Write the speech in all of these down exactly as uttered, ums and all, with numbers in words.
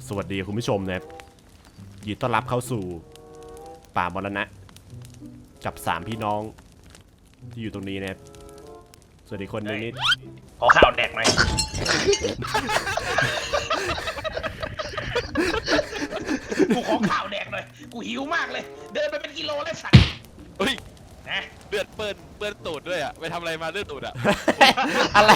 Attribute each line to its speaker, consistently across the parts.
Speaker 1: สวัสดีคุณผู้ชมนะครับยินดีต้อนรับเข้าสู่ป่ามรณะกับสามพี่น้องที่อยู่ตรงนี้นะครับสวัสดีคนนึงนี่
Speaker 2: ขอข้าวแดกหน่อยกูขอข้าวแดกหน่อยกูหิวมากเลยเดินไปเป็นกิโลแล้วสัตว์
Speaker 3: เฮ้ย
Speaker 2: นะ
Speaker 3: เลือดเปิ้ลเปิ้ลตูดด้วยอ่ะไปทำอะไรมาเลือดตูดอ่ะ
Speaker 1: อะไร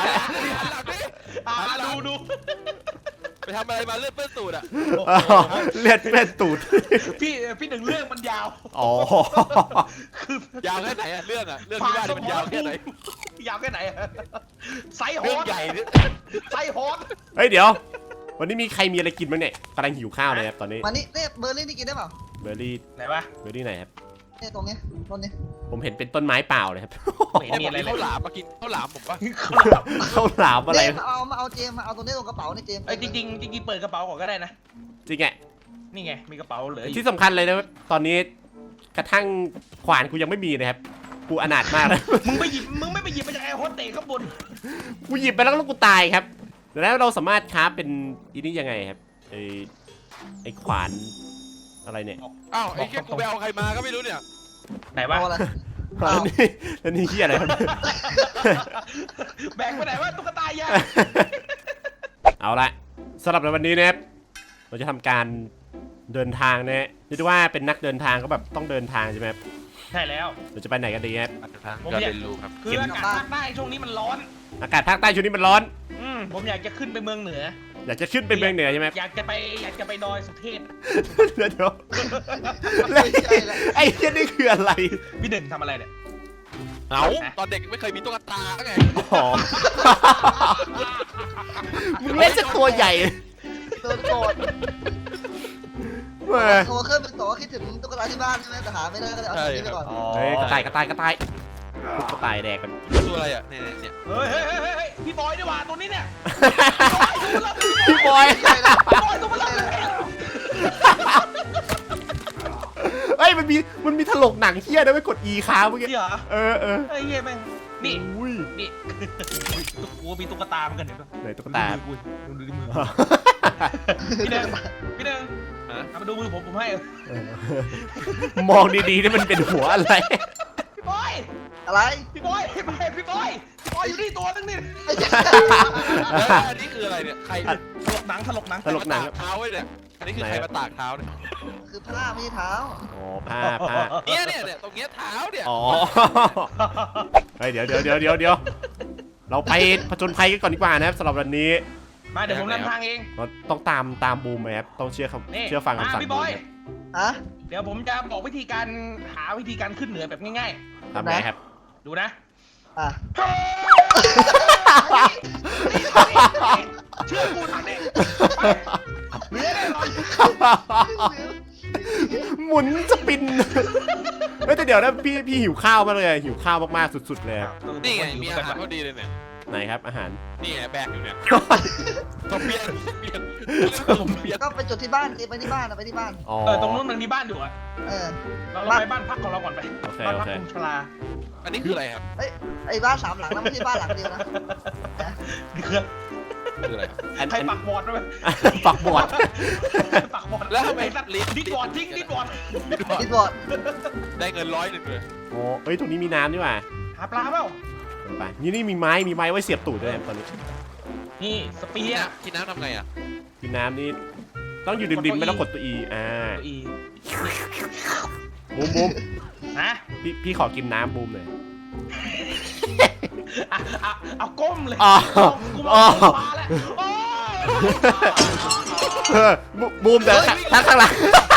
Speaker 2: ดูดู
Speaker 3: ไปทำอะไรมาเลือดเปิ้ลตูดอ่ะ
Speaker 1: เลือดเป็นตูด
Speaker 2: พี่พี่หนึ่งเรื่องมันยาว
Speaker 1: อ๋อ
Speaker 2: คือย
Speaker 3: าวแค่ไหนอ่ะเรื่องอ่ะเรื่องที่ว่ามันยาวแค่ไหน
Speaker 2: ยาวแค่ไหนไซส์ฮอต
Speaker 3: ใหญ่
Speaker 2: ไซส์ฮอต
Speaker 1: เฮ้ยเดี๋ยววันนี้มีใครมีอะไรกินบ้างเนี่ยกำลังหิวข้าวเลยครับตอนนี้
Speaker 4: มานี่เนี่ยเบอร์รี่นี่กินได้เปล่า
Speaker 1: เบอร์รี่
Speaker 2: ไหนวะ
Speaker 1: เบอร์รี่ไหนครับ
Speaker 4: เนี่ยตรงนี้ต้นนี้
Speaker 1: ผมเห็นเป็นต้นไม้เปล่าเลยครับ
Speaker 2: ไม่มีอะไรเลย
Speaker 3: ข้าวหลามมากินข้าวหลามผมปะ
Speaker 1: ข้าวหลามอะไร
Speaker 4: มาเอามาเอาเจมมาเอาตรงนี้ตรงกระเป๋านี่เจม
Speaker 2: ไอ้จริงจริงจริงเปิดกระเป๋าก่อนก็ได้นะ
Speaker 1: จริงไง
Speaker 2: นี่ไงมีกระเป๋าเหลือ
Speaker 1: ที่สำคัญเลยนะตอนนี้กระทั่งขวานกูยังไม่มีนะครับกูอนาถมากเลย
Speaker 2: มึงไปหยิบมึงไม่ไปหยิบมาจากแอร์โฮสเตสข้างบน
Speaker 1: กูหยิบไปแล้วแล้วกูตายครับแล้วเราสามารถคราฟเป็นอีนี่ยังไงครับไอไอขวานอะไรเนี่ย
Speaker 3: อ้าวไอ้แค่กูไปเอาใครมาก็ไม่รู้เนี่ย
Speaker 2: ไหนวะ
Speaker 1: แล้วนี่แล้วนี่เหี้ยอะไรครับ
Speaker 2: แบกไปไหนวะตุ๊กตายา
Speaker 1: เอาละสำหรับในวันนี้นะครับเราจะทำการเดินทางนะเรียกว่าเป็นนักเดินทางก็แบบต้องเดินทางใช่ไหมครับ
Speaker 2: ใช่แล้ว
Speaker 1: เราจะไปไหนกันดีครับ
Speaker 2: ผมอยากรู้ครับคืออากาศภาคใต้ช่วงนี้มันร้อน
Speaker 1: อากาศภาคใต้ช่วงนี้มันร้อน
Speaker 2: อืมผมอยากจะขึ้นไปเมืองเหนือ
Speaker 1: อยากจะขึ้นไปเมืองเหนือใช่ไหม
Speaker 2: อยากจะไปอยากจะไปดอยสุเทพ
Speaker 1: เดี๋ยวเดี๋ยวไอ้เหี้ยนี่คืออะไร
Speaker 2: พี่หนึ่งทำอะไรเนี่ย
Speaker 3: เอาตอนเด็กไม่เคยมีตุ๊กตาไง
Speaker 1: มึงเล่นจะตัวใหญ่
Speaker 4: ตัวโกรธตัวเครื่องเป็นตัวคิดถึงตุ๊กตาที่บ้านใช่ไหมแต่หาไม่ได้ก็เลยเอาตัวนี้ไปก่อน
Speaker 1: เฮ้ยกระต่ายกระต่ายกระต่ายกระต่ายแดกกัน
Speaker 3: ตัวอะไรอ่ะเนี่ยเนี่ย
Speaker 2: เฮ้ยเฮ้ยเฮ้ยพี่บอยดีกว่าตัวนี้เนี่ย
Speaker 1: พี่บอย
Speaker 2: พี่บอยตัวมันเลย
Speaker 1: เฮ้ยมันมีมันมีถลกหนังเฮี้ยนะไม่กด E ค้างเมื่อกี้เออเออ
Speaker 2: ไอ้เหี้ยแม่งนี่นี่กูมีตุ๊กตาเหมือนกัน
Speaker 1: ไหนตุ๊กตา
Speaker 2: ดูดูมือพี่หนึ่งพี่หนึ่งมาดูมือผมผมให้
Speaker 1: มองดีๆนี่มันเป็นหัวอะไร
Speaker 2: พี่บอย
Speaker 4: อะไร
Speaker 2: พี่บอยพี่บอยพี่บอยพี่บอยอยู่นี่ตัวนึงนี่
Speaker 3: อันนี้คืออะไรเนี่ยใคร
Speaker 2: ถลกหนังถลกหนัง
Speaker 1: ถลกหนัง
Speaker 3: เท้าไว้เนี่ยอันนี้คือใครมาตากเท้าเนี่ย
Speaker 4: คือผ้าไม่ใช่เท้า
Speaker 1: อ๋อผ้าผ้า
Speaker 3: เนี่ยเนี่ยเนี่ยตรงเนี้ยเท้าเนี่ย
Speaker 1: อ๋อเฮ้ยเดี๋ยวเดี๋ยวเดี๋ยวเดี๋ยวเดี๋ยวเราไปผจญภัยกันก่อนดีกว่านะครับสำหรับวันนี้
Speaker 2: มาเดี๋ยวผมนำทางเอง
Speaker 1: เราต้องตามตามบูมไหมครับต้องเชื่อคำเชื่อฟังคำสั่ง
Speaker 2: พี่บอย
Speaker 4: อะ
Speaker 2: เดี๋ยวผมจะบอกวิธีการหาวิธีการขึ้นเหนือแบบง่าย
Speaker 1: ๆทำไงครับ
Speaker 2: ดูนะ
Speaker 4: อ่ะ
Speaker 2: เชื่อกูทางนี้เหนือแน่นอน
Speaker 1: หมุนสปินไม่แต่เดี๋ยวนะพี่พี่หิวข้าวมากเลยหิวข้าวมากๆสุดๆเลย
Speaker 3: นี่ไงมีอาหารพอดีเลยเนี่ย
Speaker 1: ไหนครับอาหาร
Speaker 3: นี่ไงแบกอยู่เนี่ยตัวเปียกเปียกเปียก
Speaker 4: ก็ไปจุดที่บ้านไปที่บ้านไปที่บ้าน
Speaker 2: เออตรงนู้นมันมีบ้านอยู่อ่ะ
Speaker 4: เออ
Speaker 2: เราไปบ้านพักของเราก่อนไปบ้านพักคุณชลา
Speaker 3: อันนี้คืออะไรครับ
Speaker 4: เอ้ยไอ้บ้านสามหลังนะไม่ใช่บ้านหลังเดียวนะ
Speaker 2: นี่คือ
Speaker 3: คืออะไร
Speaker 2: ใครปักบอร์ดด้วย
Speaker 1: ปักบอร์ด
Speaker 2: ปักบอร์ด
Speaker 3: แล้วทำไม
Speaker 2: ดิดบอร์ดทิ้งดิดบอร์ด
Speaker 4: ดิดบอร์ด
Speaker 3: ได้เงินร้อยหนึ่งเลย
Speaker 1: โอ้เอ้ยตรงนี้มีน้ำด้วยว่ะ
Speaker 2: หาปลาเปล่า
Speaker 1: ไปนี่นี่มีไม้มีไม้ไว้เสียบตูดด้วยตอนนี้
Speaker 2: นี่สปีด
Speaker 3: กินน้ำทำไงอ่ะ
Speaker 1: กินน้ำนี่ต้องอยู่ริมๆไม่ต้องกดตัว E อ่าบูมบูม
Speaker 2: นะ
Speaker 1: พี่พี่ขอกินน้ำบูมเลย
Speaker 2: เอาก้มเลย
Speaker 1: อ๋อบูมเดินทักข้างหลัง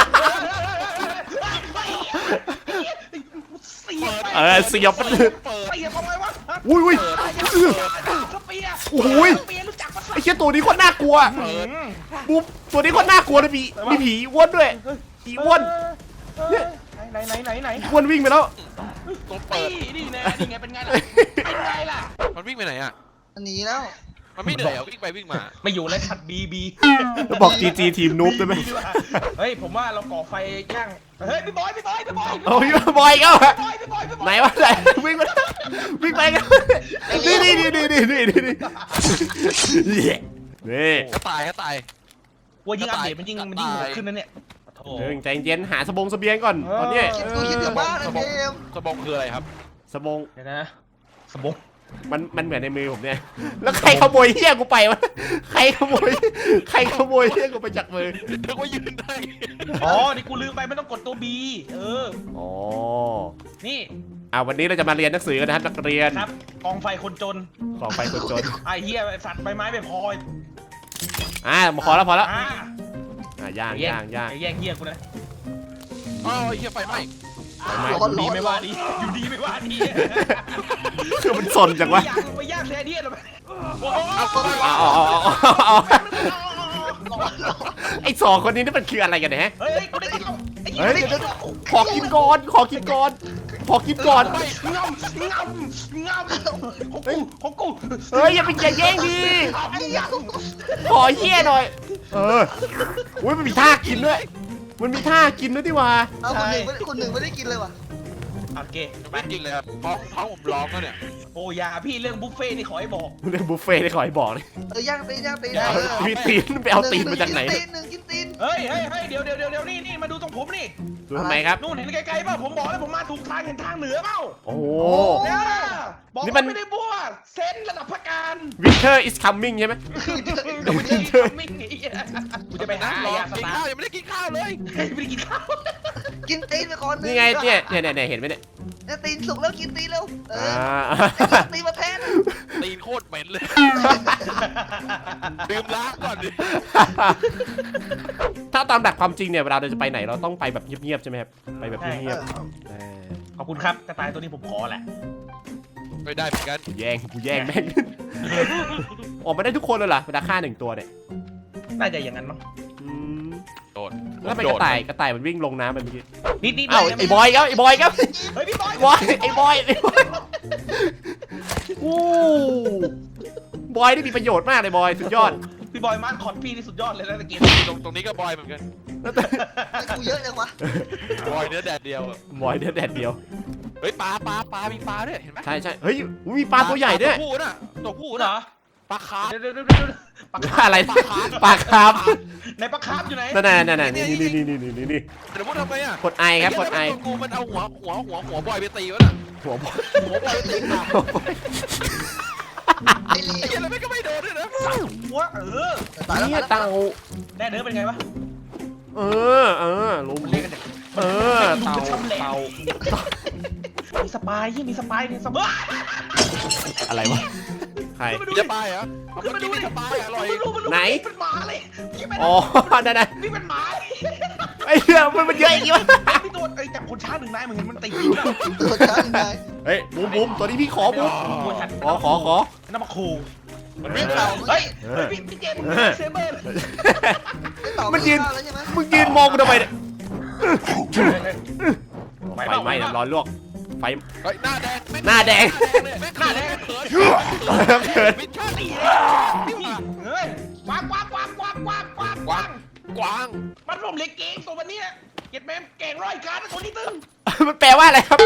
Speaker 1: เออเสียบมันเลยอุ้ยอุ้ยโอ้ยไอ้เชี่ยตัวนี้โคตรน่ากลัวบูมตัวนี้โคตรน่ากลัวเลยมีมีผีอ้วนด้วยผีอ้วน
Speaker 2: ไหนไหนไหนไหน
Speaker 1: อ้วนวิ่งไปแล้ว
Speaker 3: ตัวเปิด
Speaker 2: นี่ไงนี่ไงเป็นไงล่ะเป็นไงล่ะ
Speaker 3: มันวิ่งไปไหนอ่ะ
Speaker 4: มันหนีแล้ว
Speaker 3: มันไม่เหนื่อยวิ่งไปวิ่งมา
Speaker 2: ไม่อยู่เลยขัดบีบี
Speaker 1: แล้วบอกจีจีทีมนูบได้ไหม
Speaker 2: เฮ้ยผมว่าเราก่อไฟย่างเฮ้ยพี่บอยพี่บอยพี่บอย
Speaker 1: โอ้ยบอยก็ไหนวะไหนวิ่งมาวิ่งไปกันนี่นี่นี่นี่นี่นี่นี่นี่
Speaker 3: ก็ตายก็ตาย
Speaker 2: ว่ายิ่งอัปเดตมันยิ่งมันยิ่งโหดขึ้นนะเนี่ยโอ้
Speaker 1: เรื่องใจเย็นหาสบงเสบียงก่อนตอนเนี้ย
Speaker 4: คิดดูคิดถึงบ้านนะเจม
Speaker 3: สบงคืออะไรครับ
Speaker 1: สบง
Speaker 2: เดี๋ยวนะสมบง
Speaker 1: มันมันเหมือนในมือผมเนี่ยแล้วใครขโมยเฮี้ยกูไปวะใครขโมยใครขโมยเฮี้ยกูไปจากมือ
Speaker 3: นึกว่ายืนได้
Speaker 2: อ๋อนี่กูลืมไปไม่ต้องกดตัว B เออ
Speaker 1: อ๋อ
Speaker 2: นี่
Speaker 1: อ่าวันนี้เราจะมาเรียนหนังสือกันนะครับนักเรียน
Speaker 2: ครับกองไฟคนจน
Speaker 1: ของไฟคนจน
Speaker 2: ไอ้เหี้ยสัตว์ใบไม้ไม่พอ
Speaker 1: อ่ามาพอแล้วพอแล้ว
Speaker 2: อ่า
Speaker 1: อ่าย่าง
Speaker 2: ไอ้แย่
Speaker 1: ย่างย่าง
Speaker 2: ไอ้แย่งเหี้ยกูนะ
Speaker 3: อ๋อไอ้เหี้ยไฟไหม้
Speaker 1: ไม่
Speaker 4: ร้อน
Speaker 2: ดี
Speaker 4: ร้อน
Speaker 2: ไม่
Speaker 4: ร้อ
Speaker 2: ว่าน ดีอยู่ดีไม่ว่าดี
Speaker 1: คือมันสนจังวะ
Speaker 2: ย่างไปย่างแซเดียนหรอโอ้โห
Speaker 1: เอาเอาเอาเอาเอาเอาไอ้สองคนนี้นี่มันคืออะไรกันเนี่ยฮะ
Speaker 2: เฮ้ยกูได้กินแล้วไอ้เหี้ย
Speaker 1: เฮ้ย
Speaker 2: ได้
Speaker 1: เดี๋ยว
Speaker 2: กิน
Speaker 1: เดี๋ยว
Speaker 2: แล้ว
Speaker 1: ขอกินก่อนขอกินก่อนขอกินก่อน
Speaker 2: งำงำงำของกูของกู
Speaker 1: เฮ้ยอย่าไปอย่าแย่งดิ
Speaker 2: ไอ้ยัง
Speaker 1: ขอเฮี้ยหน่อยเอออุ้ยมันมีท่ากินด้วยมันมีท่ากินด้วยดิว่า
Speaker 4: เอาคนหนึ่งไม่ได้คนหนึ่งไม่ได้กินเลยว่ะ
Speaker 2: โอเคไป
Speaker 3: ไม่จริงเลยครับท้องท้องผมร้องแล้วเนี่ย
Speaker 2: โอ้ยาพี่เรื่องบุฟเฟ่นี่ขอให้บอก
Speaker 1: เรื่องบุฟเฟ่ต์ได้ขอให้บอกเลย
Speaker 4: เออย่างตีนย่างตีน
Speaker 1: เอามีตีนไปเอาตีนมาจากไหน
Speaker 4: ตีนหนึ่งกินตีน
Speaker 2: เฮ้ยเฮ้ยเฮ้ยเดี๋ยวเดี๋ยวเดี๋ยวเดี๋ยวนี่นี่มาดูตรงผมนี่
Speaker 1: ดูทำไมครับ
Speaker 2: นู่นเห็นไกลๆเปล่าผมบอกแล้วผมมาถูกทางเห็นทางเหนือเปล่า
Speaker 1: โอ้โห
Speaker 2: เนี่ยบอก
Speaker 1: นี่มั
Speaker 2: ว่าน ไม่ได้บัวเซนระดับพักการ
Speaker 1: Winter is coming ใช่ไหม
Speaker 2: ไม่ได้ทำมิ่งไอ้เหี้ยกูจะไปหา
Speaker 3: ร้อง
Speaker 2: ยาส
Speaker 3: กิน
Speaker 2: ตา
Speaker 3: ข้าว
Speaker 2: ร์
Speaker 3: ยังไม่ได้กินข้าวเลย
Speaker 2: ไม่ได้กินข้าว
Speaker 4: กินตีนไปก่อน
Speaker 1: นี่ไงเนี่ยเนี่ยเนี่ยเนี่ยเห็นไหมเนี่ย
Speaker 4: เนี่ยตีนสุกแล้วกินตีนเร็วเอ
Speaker 1: อ่า
Speaker 4: อตีนมาแทน
Speaker 3: ตีนโคตรเหม็นเลยดื่มล้างก่อนดิ
Speaker 1: ถ้าตามหลักความจริงเนี่ยเวลาเราจะไปไหนเราต้องไปแบบเงียบๆใช่ไหมครับไปแบบเงียบๆเออ
Speaker 2: ขอบคุณครับกระต่ายตัวนี้ผมขอแหละ
Speaker 3: ไม่ได้เหมือนกัน
Speaker 1: กูแย่งกูแย่งแม่งออกมาได้ทุกคนเลยเหรอเวลาฆ่าหนึ่งตัวเนี่ย
Speaker 2: น่าจะอย่างนั้นมั้ง
Speaker 1: อืม
Speaker 3: โดด
Speaker 1: แล้วทำไมกระต่ายกระต่ายมันวิ่งลงน้ำไปเมื่อกี้
Speaker 2: นิดนิด
Speaker 1: เอ้าไอ้บอยครับไอ้บอยครับ
Speaker 2: เฮ้ยพี่บอย
Speaker 1: บอยไอ้บอยไอ้บอยอู้บอยนี่มีประโยชน์มากเลยบอยสุดยอด
Speaker 2: พี่บอยมาร์คคอนพี่นี่สุดยอดเลยนะตะกี้
Speaker 3: ตรงตรงนี้ก็บอยเหมือนกัน
Speaker 4: กูเยอะจังวะ
Speaker 3: บอยเนื้อแดดเดียวอะ
Speaker 1: บอยเดือดแดดเดียว
Speaker 3: เฮ้ยปลาปลาปลามีปลาด้วยเห็นไหม
Speaker 1: ใช่ใช่เฮ้ยมีปลาตัวใหญ่ด้วย
Speaker 3: ตัวผู้น่ะตัวผู้
Speaker 2: เหร
Speaker 3: น่ะ
Speaker 2: อ
Speaker 3: ปลาคาร์ฟ
Speaker 2: เดี๋ยวเดี๋ยวเดี๋ยวเดี๋ยวปลาคาร์ฟ
Speaker 1: อะไรปลาคาร์ฟ
Speaker 2: ในปลาคาร์ฟอยู่ไหน
Speaker 1: นั่นน่ะนั่นน่ะนี่นี่นี่นี่นี่นี่
Speaker 3: แต่พูดทำไมอ่ะ
Speaker 1: กดไอครับกดไอ
Speaker 3: ตัวกูมันเอาหัวหัวหัวหัวบอยไปตีวะน่ะ
Speaker 1: หัวบอย
Speaker 3: หัวบอยไปตีปลา
Speaker 4: ไอ้ลี
Speaker 3: ไอ้เหี้ยแล้วไม่ก็ไม่โดนด้วยนะ
Speaker 2: หัวเออ
Speaker 4: ตายแล้ว
Speaker 1: เนี่ย
Speaker 4: ตายแล้ว
Speaker 1: เต่า
Speaker 2: แน่เนื้อเป็นไงวะ
Speaker 1: เออเออลุม
Speaker 2: มันเรียกกันจาก
Speaker 1: เออเต่าเต่า
Speaker 2: มีสปายยี่มีสปายนี่สปาย
Speaker 1: อะไรวะใคร
Speaker 3: มีสปายเหรอเอาเมื่อกี้มีสปายอร่อย
Speaker 2: มันรู้มันรู้
Speaker 1: ไหน
Speaker 2: เป็นหมาเลยพี่เป็น
Speaker 1: อ๋อนั่นน่ะ
Speaker 2: นี่เป็นหมาเลย
Speaker 1: ไอ้เหี้ยมันมันเยอะอย่างงี้วะ
Speaker 2: พี่ตัวไอ้จับคนช้าหนึ่งนายมึงเห็นมันตีนะ
Speaker 4: ตัวช้างนาย
Speaker 1: เฮ้ยบูมบูมตัวนี้พี่ขอบูม
Speaker 2: ตัวฉัน
Speaker 1: ขอขอขอ
Speaker 2: น้ำมาคู
Speaker 3: มันวิ่งเต่า
Speaker 2: เฮ้ยเฮ้ยพี่พี่เจมส์เซเบอร์เลย
Speaker 1: มันยืน
Speaker 4: แล้วใช่ไหม
Speaker 1: มึงยืนมองกูทำไมเนี่ย
Speaker 2: ไป
Speaker 1: ไฟไหม้นะร้อนลวกไฟ
Speaker 3: เฮ้ยหน้าแดง
Speaker 1: หน้าแดง
Speaker 3: หน้าแดงเขิน
Speaker 1: เกิด
Speaker 3: วิชาตี
Speaker 2: เฮ้ยกวางกวางกวางกวางกวางกวาง
Speaker 3: กวางกวาง
Speaker 2: มันรวมเล็กเก่งตัววันนี้เก็บแม่เก่งร้อยการตัวนี้ตึง
Speaker 1: มันแปลว่าอะไรครับ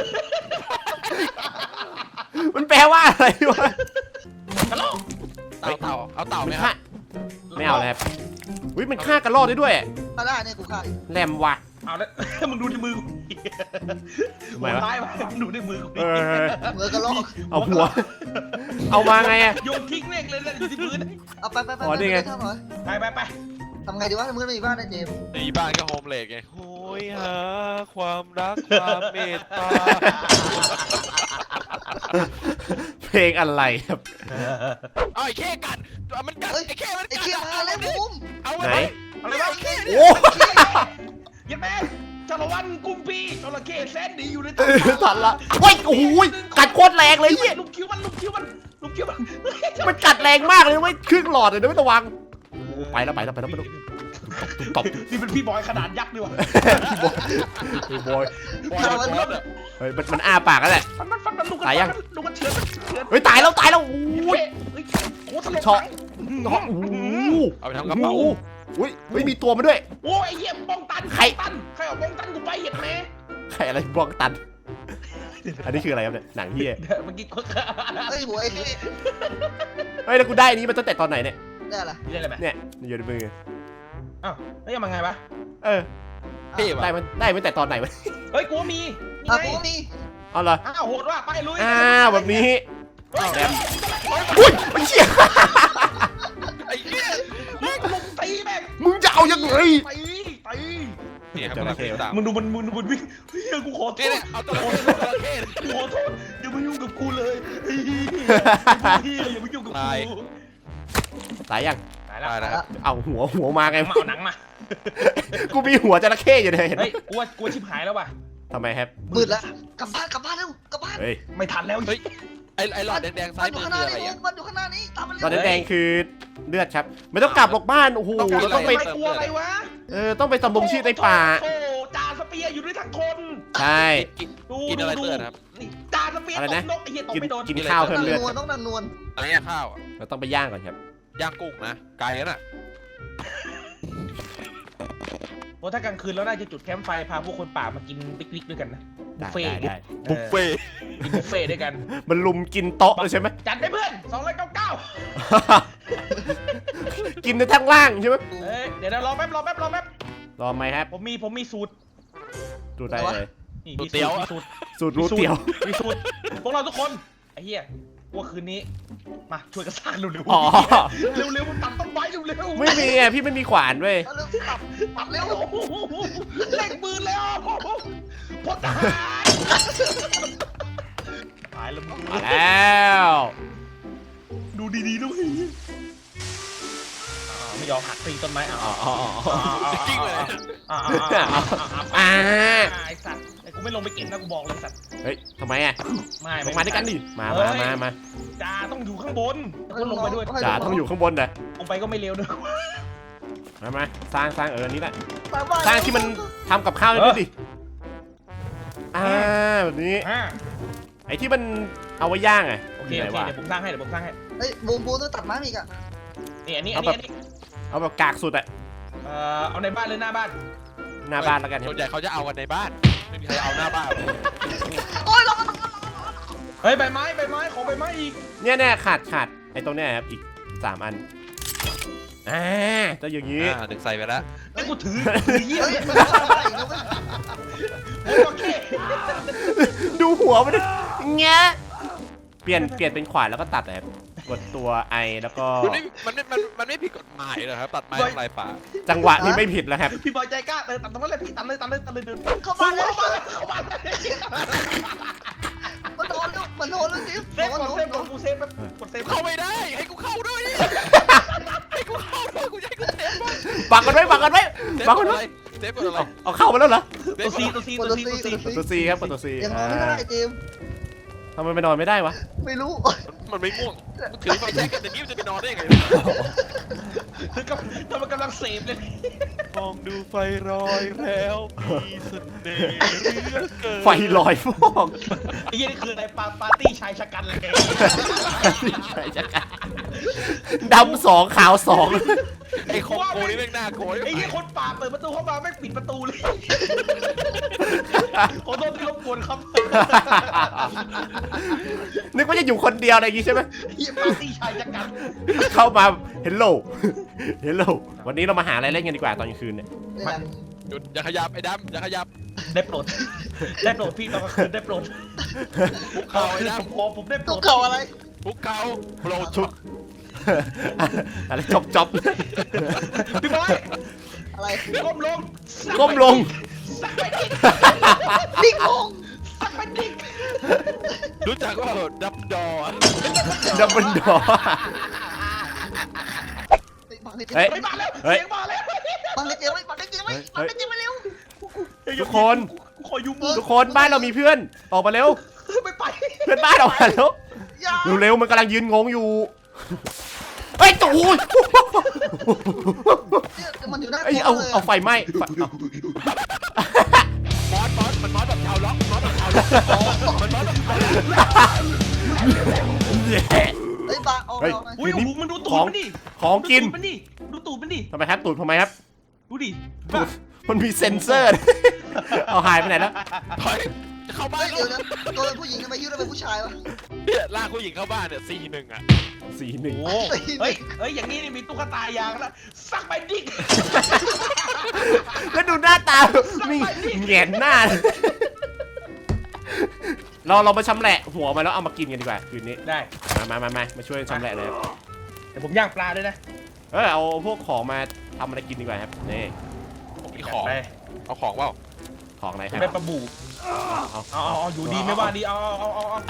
Speaker 1: มันแปลว่าอะไรวะ
Speaker 2: กระโลก
Speaker 3: เต่าเต่าเอาเต่าไหม
Speaker 1: มัน
Speaker 3: ครั
Speaker 1: ฆ่า
Speaker 3: บ
Speaker 1: ไม่เอาเลยครับอุ้ยมันฆ่ากระรอกได้ด้วย
Speaker 4: ถ้าได้เนี่ยกูฆ่าอีก
Speaker 1: แรมว่ะ
Speaker 2: เอาแล้วมึงดูในมือกู
Speaker 1: ทำไมวะ
Speaker 2: ท้ายไปมึงดูในมือกู
Speaker 1: เออ
Speaker 4: เหมือนกระรอก
Speaker 1: เอาหัว เอามาไงอะ
Speaker 2: โยนทิ้งเองเลยนะอยู่ที่พื้น
Speaker 4: เอาไปไปไป
Speaker 1: อ๋อนี่ไง
Speaker 4: ทำหน่อย
Speaker 2: ไปไปไป
Speaker 4: ทำไงดีวะมึงไม่มีบ้านนะเจมส์
Speaker 3: ในบ้านก็โฮมเลกไงโหยหาความรักความเมตตา
Speaker 1: เพลงอะไรครับ
Speaker 3: เอาไอ้เข้กัดมันกัด
Speaker 4: เฮ้ย
Speaker 3: ไอ้เข้มัน
Speaker 4: ไอ้
Speaker 3: กัด
Speaker 4: เขี้ยมาแล้วบูม
Speaker 3: เอา
Speaker 1: ไหน
Speaker 3: ไว้
Speaker 2: อะไรวะ
Speaker 1: โอ้
Speaker 2: ยันแม่จารวันกุมปีจระเข้แสนดีอยู่ใน
Speaker 1: เออทันละโอ้ยโอ้ยกัดโคตรแรงเลยเนี่ย
Speaker 2: ลูกคิ้วมันลูกคิ้วมันลูกคิ้วมัน
Speaker 1: มันกัดแรงมากเลยไม่ครึ่งหลอดเลยนะไม่ต้องวางไปแล้วไปแล้วไปแล้วไปแล้วตุ๊บตบ
Speaker 2: นี่เป็นพี่บอยขนาดยักษ์ดีว่ะ
Speaker 1: พี่บอย
Speaker 3: บอยมันรถอ่ะ
Speaker 1: เฮ้ยมันมันอ้าปากแล้วแหละ
Speaker 2: ฟันมันฟันมันลูกกัน
Speaker 1: ตายยัง
Speaker 2: ลูกกันเชือนเชือน
Speaker 1: เฮ้ยตายแล้วตายแล้วโอ้
Speaker 2: เฮ้
Speaker 1: ย
Speaker 2: ยเฮ้ยโอ้สลบ
Speaker 1: ช็อก
Speaker 2: หนัง
Speaker 1: โอ้โห
Speaker 3: เอาไปทำกระเป๋า
Speaker 1: อุ้ยอุ้ยมีตัวมาด้วย
Speaker 2: โอ้ยไอ้เหี้ยป้องตัน
Speaker 1: ใคร
Speaker 2: ป้องตันใครเอาป้องตันกูไปเหยียดแม่
Speaker 1: ใครอะไรบล็อกตัน อันนี้คืออะไรครับเนี่ยหนังเฮีย
Speaker 2: เดี๋ยวเมื่อกี้กู
Speaker 4: เฮ้ยหัวไอ้เขี้ย
Speaker 1: เฮ้ยแล้วกูได้อันนี้มาตั้งแต่ตอนไหนเนี่ย
Speaker 4: ได้ละ
Speaker 2: นี่อะไรไหม
Speaker 1: เนี่ยมันอยู่ในมือ
Speaker 2: อ้าวแล้วยังมาไงวะ
Speaker 1: เออ
Speaker 3: เท่ว่ะ
Speaker 1: ได้มันได้มันแต่ตอนไหนวะ
Speaker 2: เฮ้ยกูว่ามีนี่
Speaker 4: อ่ะ
Speaker 2: ไง
Speaker 4: กูมี
Speaker 1: เอาเหรอ
Speaker 2: อ้าวโหดว่ะไปลุย
Speaker 1: อ้าวแบบนี้
Speaker 2: เฮ้ย
Speaker 1: แบบอุ้ยไอ้เหี้ย
Speaker 3: ไอ้เหี้ย
Speaker 2: แม่งลุมตีแม่ง
Speaker 1: มึงจะเอายังไง
Speaker 2: ตีตี
Speaker 3: เนี่ยครับ
Speaker 1: จระเข้
Speaker 3: ตาม
Speaker 2: มึงดูมันมึงดูมันวิ่งเฮ้ยกูขอโท
Speaker 3: เนี่ย
Speaker 2: ษ
Speaker 3: เนี่ยเอาตัวละครตัวละเข้
Speaker 2: กูขอโทษอย่ามายุ่งกับกูเลยเฮ้ยเฮ้ยอย่ามายุ่งกับกู
Speaker 1: ตายยัง
Speaker 2: ตายแล้ว
Speaker 3: ได้นะ
Speaker 1: เอาหัวหัวมาไง
Speaker 2: มาเอาหนังมา
Speaker 1: กูมีหัวจระเข้อยู่เลยเห็นไหม
Speaker 2: เฮ้ยกูว่ากูว่าชิบหายแล้วว่ะ
Speaker 1: ทำไมครับ
Speaker 4: มืดละกลับบ้านกลับบ้านเร็วกลับบ้าน
Speaker 1: เฮ้ย
Speaker 2: ไม่ทันแล้ว
Speaker 3: เฮ้ยไอ้ไอ้หลอดแดงๆซ้าย
Speaker 4: มันอ
Speaker 3: มื
Speaker 4: ยู่
Speaker 3: อ
Speaker 4: ข้างห
Speaker 3: คือ
Speaker 4: น้า
Speaker 3: อะไร
Speaker 4: นี่
Speaker 3: อ่ะ
Speaker 4: มันอยู่ข้างหน้านี่ตามมาเร็ว
Speaker 1: ตอนแดงๆคือเลือดครับไม่ต้องกลับหรอกบ้านโอ้โห
Speaker 2: ต้อง
Speaker 1: เรา
Speaker 2: ต้
Speaker 1: ต้
Speaker 2: อ
Speaker 1: อง ง
Speaker 2: ไป
Speaker 1: ไป
Speaker 2: กลัวอะไรวะ
Speaker 1: เออต้องไปตำบงชีพในป่า
Speaker 2: โอ้จ่าสเปียร์อยู่ด้วยทั้งคน
Speaker 1: ใช่
Speaker 3: กิน
Speaker 2: ดู
Speaker 3: กินอะไร
Speaker 2: ดู
Speaker 3: เตือนครับ
Speaker 2: นี่จ่าสเปียร์
Speaker 1: อะไร
Speaker 2: ต
Speaker 1: นะ
Speaker 2: กนกไอ้เหี้ยตก
Speaker 1: กิน
Speaker 2: ไม่โดน
Speaker 1: กินข้าวเพิ่มเลือด
Speaker 4: นวลต้องดังนวล
Speaker 3: อะไรเนี่ยข้าวอ่ะ
Speaker 1: เราต้องไปย่างก่อนครับ
Speaker 3: ย่างกุ้งนะไก่น่ะ
Speaker 2: โอ้ถ้ากลางคืนแล้วน่าจะจุดแคมป์ไฟพาพวกคนป่ามากินปิกนิกด้วยกันนะบุ
Speaker 1: ได้
Speaker 2: ฟเฟ่
Speaker 1: ได้
Speaker 2: ต์
Speaker 1: ได้
Speaker 3: บุฟเฟ่ต์
Speaker 2: กินบุฟเฟ่ต์ด้วยกัน
Speaker 1: มันลุมกินโต๊ะเลยใช่ไหม
Speaker 2: จัดไปเพื่อนสองร้อยเก้าเก้า
Speaker 1: กินในทั้งล่างใช่ไหม
Speaker 2: เอ้ยเดี๋ยวเดี๋ยวรอแป๊บรอแป๊บรอแป๊บ
Speaker 1: รอไหมครับ
Speaker 2: ผมมีผมมีสูตร
Speaker 1: ดูได้เลย
Speaker 2: นี่มีสูตรมีสูตร
Speaker 1: สูตรรู้เตี๋ยว
Speaker 2: มีสูตรพวกเราทุกคนไอ้เหี้ยว่าคืนนี้มาช่วยกันสร้างเร็วๆ
Speaker 1: อ๋อ
Speaker 2: เร็วๆมันตัดต้นไม้เร็วๆ
Speaker 1: ไม่มีอ่ะพี่ไม่มีขวานเว้ย
Speaker 4: เอาเร็วตับตับเร็ว
Speaker 2: โอ้โหเล่งปืนแล้วพลทหารตายแล้วมึง
Speaker 1: มาแล้ว
Speaker 2: ดูดีๆด้วยอ่าไม่ยอมหักตีต้นไม้อ่า
Speaker 1: อ๋ออ๋ออ๋อ
Speaker 3: กิ้งเลย
Speaker 2: อ่า
Speaker 1: อ่า
Speaker 2: ไอ้สัตว์ไอ้กูไม่ลงไปเก็บนะกูบอกเลยสัตว์
Speaker 1: เฮ้ยทำไมอ่ะ
Speaker 2: ไม่
Speaker 1: ลงมาด้วยกันดิมามามามา
Speaker 2: จ่าต้องอยู่ข้างบนกูลงไปด้วย
Speaker 1: จ่าต้องอยู่ข้างบนนะ
Speaker 2: ลงไปก็ไม่เร็วด้วย
Speaker 1: มามาสร้างสร้างเอออันนี้แหละ
Speaker 4: ตามบ้าน
Speaker 1: สร้างที่มันทำกับข้าวได้ด้วยดิอ่าแบบนี้
Speaker 2: อ่า
Speaker 1: ไอ้ที่มันเอาไว้ย่างไง
Speaker 2: โอเค
Speaker 1: ไหน
Speaker 2: โอเค
Speaker 1: วะ
Speaker 2: เดี๋ยวผมสร้างให้เดี๋ยวผมสร้างให้
Speaker 4: เฮ้ยบูมบูมต้องตัดไม้อีกอ่ะ
Speaker 2: นี่อันนี้อันนี้อันนี้
Speaker 1: เอาแบบกากสุดอะ
Speaker 2: เอ่อเอาในบ้านหรือหน้าบ้าน
Speaker 1: หน้าบ้านแล้วกัน
Speaker 3: ส่วนใหญ่เขาจะเอากันในบ้านไม่มีใครเอาหน้าบ้าน
Speaker 4: โอ้ยเรา
Speaker 2: เฮ้ยใบไม้ใบไม้ขอใบไม้อีก
Speaker 1: เนี่ยเนี่ยขาดขาดไอ้ตรงเนี้ยครับอีกสามอันอ่าจะอย่างนี้
Speaker 3: อ่าดึงใส่ไปแล้ว
Speaker 2: ไอ้กูถือถือเยี่ย
Speaker 4: เฮ้
Speaker 2: ม
Speaker 4: ยมันต้องอะไรอีกนะเว้ย
Speaker 2: โอเค
Speaker 1: ดูหัวมันดิเงี้ยเปลี่ยนเปลี่ยนเป็นขวานแล้วก็ตัดนะครับกดตัวไอแล้วก็
Speaker 3: มันไม่มันไม่มันมันไม่ผิดกฎหมายเหรอครับตัดไม้ทำลายป่า
Speaker 1: จังหวะนี้ไม่ผิดแล้วครับ
Speaker 2: พี่บอยใจกล้าเออตัดตรงนั้นเลยพี่ตัดเลยตัดเลยตัดเลยเดิน
Speaker 4: เข้าบ้านเลย
Speaker 2: เข้าบ้านเลยเข้าบ้านเลย
Speaker 4: มันโดนลูกมันโดนลูกจิ๊บ
Speaker 2: เซฟก่อนเซฟก่อนกูเซฟแบบกดเซฟ
Speaker 3: เข้าไม่ได้ให้กูเข้าด้วยให้กูเข้าด้วยกูจะให้กูเซฟบ้าง
Speaker 1: ปักกันไว้ปักกันไว้
Speaker 3: เซฟ
Speaker 1: ปัก
Speaker 3: ก
Speaker 1: กั
Speaker 3: ด
Speaker 1: น
Speaker 3: อะ
Speaker 1: ไว้
Speaker 3: ไรเซฟกดอะไร
Speaker 1: เอาเข้ามาแล้วเหรอ
Speaker 2: ตัวซีตัวซีตัวซีตัวซี
Speaker 1: กดตัวซีครับกดตัวซี
Speaker 4: ยังนอนไม่ได้เจม
Speaker 1: ทำไมไปนอนไม่ได้วะ
Speaker 4: ไม่รู้
Speaker 3: มันไม่ง่วงมันถือไฟแช็กกันอย่างนี้มันจะไปนอนได้ยังไง
Speaker 2: คือกำลังกำลังเสพเลย
Speaker 3: มองดูไฟรอยแล้วมีเสน่ห์เหลือเกิน
Speaker 1: ไฟลอยฟอก
Speaker 2: ไอ้ยี่นี่คืออะไรปาปาร์ตี้ชายชะกันเลย
Speaker 1: ใช่จักรดำสองขาวสอง
Speaker 3: ไอ้คอมโกนี่แม่งน่ากลัว
Speaker 2: ไอ้ยี่คนป่าเปิดประตูเข้ามาไม่ปิดประตูเลยขอโทษที่รบกวนครับ
Speaker 1: นึกว่าจะอยู่คนเดียวอะไรอย่างงี้ใช่ไหม
Speaker 2: ยี่ปาร์ตี้ชายชะกัน
Speaker 1: เข้ามาเฮลโลเฮลโลวันนี้เรามาหาอะไรเล่นกันดีกว่าตอนกลางคืนเนี่ย
Speaker 4: เนี่ย
Speaker 3: หยุดอย่าขยับไอ้ดำอย่าขยับ
Speaker 2: ได้โปรดได้โปรดพี่ตอนกลางคืนได้โปรด
Speaker 3: คุกเข่าไอ้ด
Speaker 2: ผมขอผมได้โปร
Speaker 4: ตุ๊
Speaker 2: ด
Speaker 4: กเข่าอะไร
Speaker 3: ำคุกเข่าโปรดชุด
Speaker 1: อะไรจบจบ
Speaker 2: พี่บอย
Speaker 4: อะไร
Speaker 2: ก้มลง
Speaker 1: ก้มลง
Speaker 2: สักไปดิ
Speaker 4: ดิ้งลง
Speaker 2: สักไปดิ
Speaker 3: รู้จักว่าดับดอ
Speaker 1: ดับเบิลดอ
Speaker 4: บังให้เจม
Speaker 1: เฮ้ย
Speaker 2: ไปมาแล้ว
Speaker 1: เฮ้ย
Speaker 2: เสียงมาแล้ว
Speaker 4: บังให้เจมไว้บังให้เจมไว้บังให้เจมไว้เร็ว
Speaker 1: ทุกคน
Speaker 2: ขอยูมือ
Speaker 1: ทุกคนบ้านเรามีเพื่อนออกมาเร็ว
Speaker 2: ไม่ไป
Speaker 1: เพื่อนบ้านออกมาเร็ว
Speaker 4: อย่า
Speaker 1: เร็วๆมันกำลังยืนงงอยู่เฮ้ยตูย
Speaker 4: มันอยู่หน้า
Speaker 1: เอ้ย
Speaker 4: โต๊ะ
Speaker 1: เอา
Speaker 4: เลย
Speaker 1: เอาไฟไหม้ไฟเอา
Speaker 3: มอสมอสมันมอสแบบชาวล็อกมอสแบบชาวล็อกมันมอสแบบชาวล็อก
Speaker 4: เฮ้ยบังเอา
Speaker 1: เฮ้ย
Speaker 4: เอาไป
Speaker 2: อุ้ย
Speaker 1: คืนนี้
Speaker 2: โอ้โหมันดูตู
Speaker 1: ข
Speaker 2: ด
Speaker 1: อง
Speaker 2: มันดิ
Speaker 1: ของกิน
Speaker 2: ดูตูดมันดิดูตูดมันดิ
Speaker 1: ทำไมครับตูดทำไมครับ
Speaker 2: ดูดิ
Speaker 1: ตูดมันมีเซ็นเซอร์ เอาหายไปไหนแล้ว
Speaker 3: ถอยจะเข้าบ้า
Speaker 4: เฮ้
Speaker 3: น
Speaker 4: ยเดี๋ยวนะตัวเป็นผู้หญิงทำไมยิ้วเราเป็นผู้ชายวะ
Speaker 3: เนี่ยลากผู้หญิงเข้าบ้านเนี่ยสี่หนึ่งอ่ะ
Speaker 1: สีหนึ่ง
Speaker 2: โอ้เฮ้ยเฮ้ยอย่างนี้นี่มีตุ๊กตายางแล้วสักไปดิ
Speaker 1: แล้วดูหน้าตามีแหงนหน้า เราเรามาชำแหละหัวมาแล้วเอามากินกันดีกว่าคืนนี้
Speaker 2: ได้
Speaker 1: มามามามามาช่วยชำแหละเลยครับ
Speaker 2: เดี๋ยวผมย่างปลาด้วยนะ
Speaker 1: เออเอาพวกของมาทำอะไรกินดีกว่าครับนี่
Speaker 3: ผมมีของ
Speaker 2: ไป
Speaker 3: เอาของเปล่า
Speaker 1: ของอะไรค
Speaker 2: จะ
Speaker 1: รับ
Speaker 2: ได้ปลาบู
Speaker 1: เอา
Speaker 2: เอาเอาเอาอยู่ดีไม่ว่าดีเอาเอาเอาเอา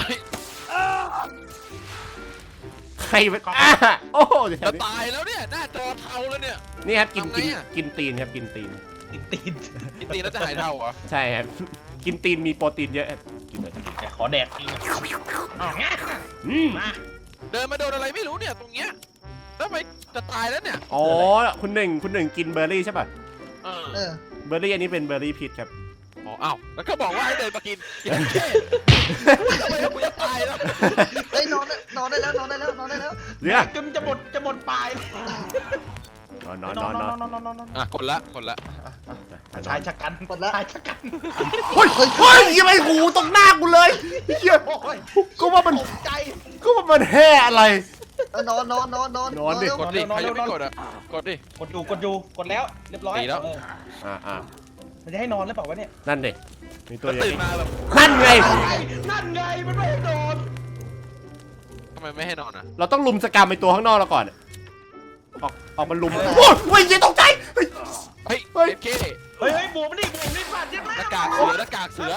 Speaker 1: ใครมันอ่ะโอ้โหเดี๋ยว
Speaker 3: จะ
Speaker 1: นี้
Speaker 3: ตายแล้วเนี่ยหน้าจอเทาแล้วเนี่ย
Speaker 1: นี่ครับกิน
Speaker 3: ทำไง
Speaker 1: กิน
Speaker 3: อะ
Speaker 1: กินตีนครับกินตีน
Speaker 2: ติดตีน
Speaker 3: กินตีแล้วจะหายเทาเหรอ
Speaker 1: ใช่ครับกินตีนมีโปรตีนเยอะครับกินเลย
Speaker 2: แต่ขอแดกจริงเอาแงะ
Speaker 1: อืม
Speaker 2: มา
Speaker 3: เดินมาโดนอะไรไม่รู้เนี่ยตรงเนี้ยแล้วทำไมจะตายแล้วเนี่ย
Speaker 1: อ๋อคุณหนึ่งคุณหนึ่งกินเบอร์รี่ใช่ป่ะ
Speaker 3: เออ
Speaker 4: เออ
Speaker 1: เบอร์รี่อันนี้เป็นเบอร์รี่พิษครับ
Speaker 3: อ๋ออ้าวแล้วก็บอกว่าให้เดินมากินทำไมกูจะตายแล้ว
Speaker 4: เฮ้ยนอนได้นอนได้แล้วนอนได้แล้วนอนได้แล้ว
Speaker 1: เรื่อง
Speaker 2: จนจะหมดจะหมดปลาย
Speaker 1: นอนนอนนอนนอน
Speaker 2: นอนนอนนอนนอน
Speaker 3: อ่ะกดละกดละ
Speaker 2: ชายชะกัน
Speaker 4: หมดแล้ว
Speaker 2: ชายชะกัน
Speaker 1: เฮ้ยเฮ้ยยังไงหูตรงหน้ากูเลยเฮีย
Speaker 2: โอ้ย
Speaker 1: ก็ว่ามัน
Speaker 2: ตกใจ
Speaker 1: ก็ว่ามันแห่อะไร
Speaker 4: เออนอนนอนนอนนอน
Speaker 1: นอนดิ
Speaker 4: เร็ว
Speaker 3: กดดิ
Speaker 2: นอน
Speaker 3: ใคร
Speaker 2: เร็
Speaker 3: ยั
Speaker 2: ว
Speaker 3: งไม่
Speaker 2: นอน
Speaker 3: กดอ่ะกดดิ
Speaker 2: กดอยู่กดอยู่กดแล้วเรียบร้อย
Speaker 3: ดีแล้ว
Speaker 2: เออ
Speaker 1: อ่าอ่า
Speaker 2: มันจะให้นอนหรือเปล่าวะเนี่ย
Speaker 1: นั่นดิมีตัว
Speaker 3: ก็
Speaker 1: อย่าง
Speaker 3: ตื่น
Speaker 1: นี้
Speaker 3: มาแบบ
Speaker 1: นั่นไง
Speaker 2: นั่นไงมันไม่ให้นอน
Speaker 3: ทำไมไม่ให้นอนอ่ะ
Speaker 1: เราต้องลุมสกรรมไปตัวข้างนอกเราก่อนออกออกมาลุมโอ้ยโอ้ยยิงตกใจเฮ้ย
Speaker 3: เฮ้ย
Speaker 1: เฮ้ย
Speaker 3: เอฟเค
Speaker 2: เฮ้ยเฮ้ยบวกมันดิบวกมันดิฟาดเจ็บ
Speaker 3: หน้ากากเสือหน้ากากเสือบ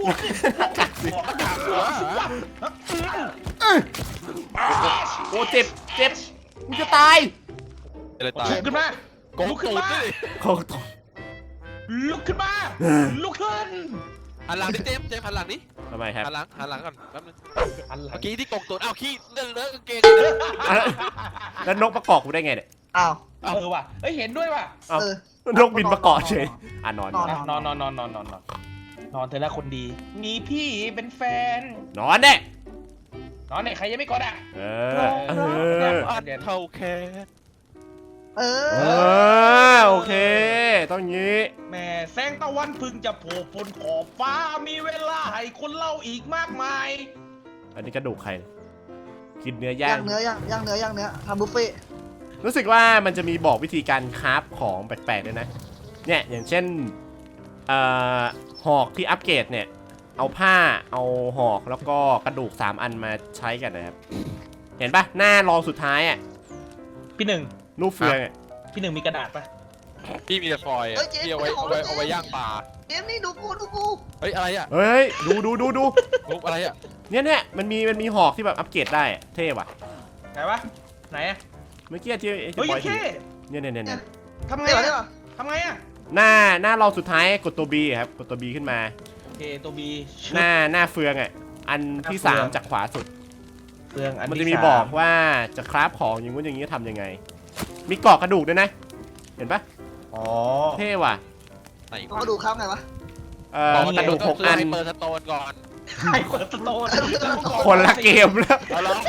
Speaker 2: วกดิบวก
Speaker 3: หน้ากากเสือเหรอ
Speaker 1: เอ้ยโอ้เจ็บเจ็บกูจะตาย
Speaker 3: อะไรตาย
Speaker 2: ลุกขึ้นมา
Speaker 3: โกง
Speaker 2: ลุกขึ้
Speaker 3: ตู
Speaker 2: น
Speaker 3: ด
Speaker 2: มา
Speaker 3: ด้วย
Speaker 1: เขาตก
Speaker 2: ลุกขึ้นมาลุกขึ้น
Speaker 3: หันหลังดิเจมส์เจมส์หันหลังนี่
Speaker 1: ทำไมครับ
Speaker 3: หันหลังหันหลังก่อนแป๊บนึง
Speaker 2: อันหลั
Speaker 3: เมื่
Speaker 2: ง
Speaker 3: อกี้ที่โกงตูดอ้าวขี้เลื่อนเลอะกางเกง
Speaker 1: แล้วนกประกอบกูได้ไงเนี่ย
Speaker 4: อ้าว
Speaker 2: เออว่ะเอ้ยเห็นด้วยว่ะ
Speaker 1: เอ้า
Speaker 4: เออ
Speaker 1: นกบินประกอบเฉยอ่ะนอนนอน
Speaker 2: นอนนอนนอนนอนนอนนอนนอนเธอแล้วคนดี มีพี่เป็นแฟน
Speaker 1: นอนเด้
Speaker 2: นอนเนี่ยใครยังไม่กดอ่ะ
Speaker 1: เออเออ
Speaker 3: อันเท่าแค่
Speaker 4: เอ
Speaker 1: เอ
Speaker 4: อ
Speaker 1: อโอเค ต้องงี้
Speaker 2: แม่แสงตะวันเพึ่งจะโผล่พ้นขอบฟ้ามีเวลาให้คนเล่าอีกมากมาย
Speaker 1: อันนี้กระดูกใคร กินเนื้อย่าง
Speaker 4: ย่างเนื้อย่างย่างเนื้อย่างเนื้อทำบุฟเฟ่ต์
Speaker 1: รู้สึกว่ามันจะมีบอกวิธีการคราฟของแปลกๆด้วยนะ เนี่ยอย่างเช่นเอ่อหอกที่อัปเกรดเนี่ย เอาผ้าเอาหอกแล้วก็กระดูกสามอันมาใช้กันนะครับ เห็นปะหน้ารองสุดท้ายอ่ะ
Speaker 2: พี่หนึ่ง
Speaker 1: นูเฟืองอะ
Speaker 2: พี่หนึ่งมีกระดาษปะ
Speaker 3: พี่มีแต่ฟอยล์อะพี่เอาไว้เอาไว้เอาไว้ย่างปลา
Speaker 4: เกมนี้ดูกูดูกู
Speaker 3: เฮ้ยอะไรอ่ะ
Speaker 1: เฮ้ยดูดูดูดู
Speaker 3: รูปอะไรอ่ะ
Speaker 1: เนี่ยเนี่ยมันมีมันมีหอกที่แบบอัปเกรดได้อะเท่ว่ะ
Speaker 2: ไหนวะไหนอะ
Speaker 1: เมื่อกี้ที่ไอ้
Speaker 2: เฮ้ย
Speaker 1: บ
Speaker 2: ยั
Speaker 1: อย
Speaker 2: ง
Speaker 1: ถื
Speaker 2: แค่
Speaker 1: อเนี่ยเนี่ยเนี่ยเนี่ย
Speaker 2: ทำไง
Speaker 4: เดี๋ยว
Speaker 2: อะ
Speaker 4: ได้ป่ะ
Speaker 2: ทำไงอะ
Speaker 1: หน้าหน้ารองสุดท้ายกดตัว B ครับกดตัว B ขึ้นมา
Speaker 2: โอเคตัวบี
Speaker 1: หน้าหน้าเฟืองอ่ะอันที่สามจากขวาสุด
Speaker 2: เฟืองอัน
Speaker 1: มัน
Speaker 2: ที่
Speaker 1: จะมี
Speaker 2: สา
Speaker 1: บอกว่าจะคราฟของอย่างงู้นอย่างนี้ทำยังไง มีกรอกกระดูกด้วยนะ เห็นปะ
Speaker 2: อ๋อ
Speaker 1: เท่ว่ะ
Speaker 3: ไหน
Speaker 4: เอามาดูครับไงวะ
Speaker 1: เอ่อกระดูกหกอัน
Speaker 3: เปิดสโตนก่อน
Speaker 2: ใครเปิดสโตน
Speaker 1: คนละเกมแล้ว
Speaker 3: เอาลอง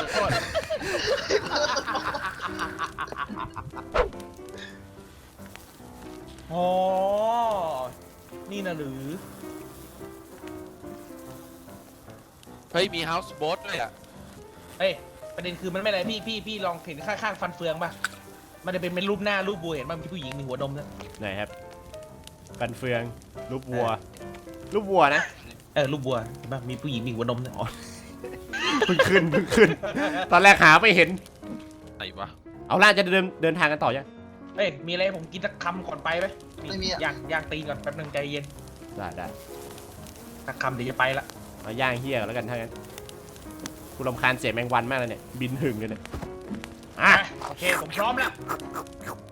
Speaker 2: อ๋อนี่นะหรือ
Speaker 3: เฮ้ยมีเฮาส์โบ๊ทด้วยอ่ะ
Speaker 2: เฮ้ยประเด็นคือมันไม่อะไรพี่พี่พี่ลองเห็นข้างๆฟันเฟืองป่ะมันจะเป็นเป็นรูปหน้ารูปบัวเห็นป่ะมีผู้หญิงมีหัวนมนะ
Speaker 1: ไหนครับกันเฟืองรูปวัว รูปวัวนะ
Speaker 2: เออรูปบัวเห็นป่ะมีผู้หญิงมีหัวนมนะ
Speaker 1: เพิ่งขึ้นเพิ่งขึ้น ตอนแรกหาไม่เห็น
Speaker 3: ไหนวะ
Speaker 1: เอาล่ะจะเดินเดินทางกันต่อยัง
Speaker 2: เฮ้ยมีอะไรให้ผมกินสักคำก่อนไปไหม
Speaker 4: ไม่มีอ่ะ
Speaker 2: ย่างย่างตีนก่อนแป๊บนึงใจเย็น
Speaker 1: ได้ได้
Speaker 2: สักคำเดี๋ยวจะไปละ
Speaker 1: มาย่างเฮียกันแล้วกันถ้างั้นกูรำคาญเสียงแมงวันมากเลยเนี่ยบินหึงเลยเนี่ยอ่ะ
Speaker 2: อ่ะโอเคผมพร้อมแล้ว